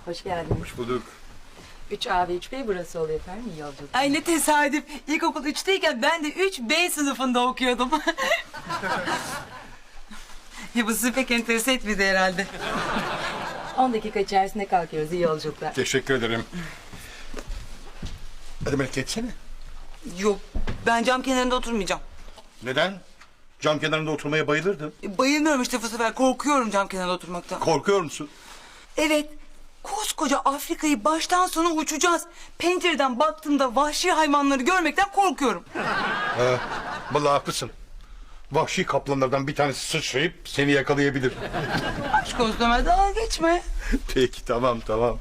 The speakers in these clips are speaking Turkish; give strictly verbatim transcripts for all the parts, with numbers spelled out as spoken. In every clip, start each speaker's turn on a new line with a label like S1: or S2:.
S1: Hoş geldin.
S2: Hoş bulduk.
S1: üç A ve üç B burası oluyor efendim. İyi yolculuk.
S3: Ay ne tesadüf. İlkokul üçteyken ben de üç B sınıfında okuyordum. Ya bu sizi pek enterese etmedi herhalde.
S1: on dakika içerisinde kalkıyoruz. İyi yolculuklar.
S2: Teşekkür ederim. Hadi Melek geçsene.
S3: Yok, ben cam kenarında oturmayacağım.
S2: Neden? Cam kenarında oturmaya bayılırdım.
S3: E, Bayılmıyorum işte bu sefer. Korkuyorum cam kenarında oturmaktan.
S2: Korkuyor musun?
S3: Evet, koskoca Afrika'yı baştan sona uçacağız. Pencereden baktığımda vahşi hayvanları görmekten korkuyorum.
S2: Vallahi haklısın. Vahşi kaplanlardan bir tanesi sıçrayıp seni yakalayabilir.
S3: Aşk olsun Ömer, dalga geçme.
S2: Peki tamam tamam.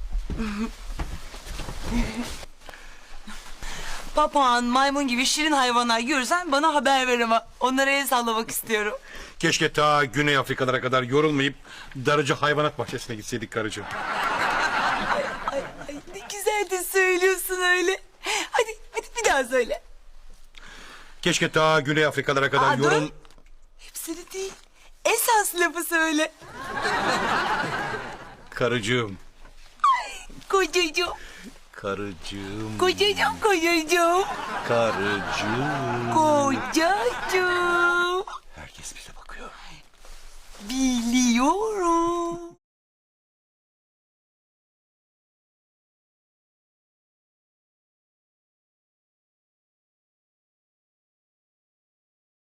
S3: Papağan, maymun gibi şirin hayvanlar görürsen bana haber ver ama. Onlara el sallamak istiyorum.
S2: Keşke ta Güney Afrikalara kadar yorulmayıp Darıcı Hayvanat Bahçesi'ne gitseydik karıcığım.
S3: Ay, ay ne güzel de söylüyorsun öyle. Hadi, hadi bir daha söyle.
S2: Keşke ta Güney Afrikalara kadar
S3: Aa,
S2: yorul...
S3: dur. Hepsini değil. Esas lafı söyle.
S2: Karıcığım.
S3: Kocacığım,
S2: Karıcığım.
S3: kocacığım, kocacığım,
S2: Karıcığım.
S3: kocacığım.
S2: Herkes bize bakıyor.
S3: Biliyorum.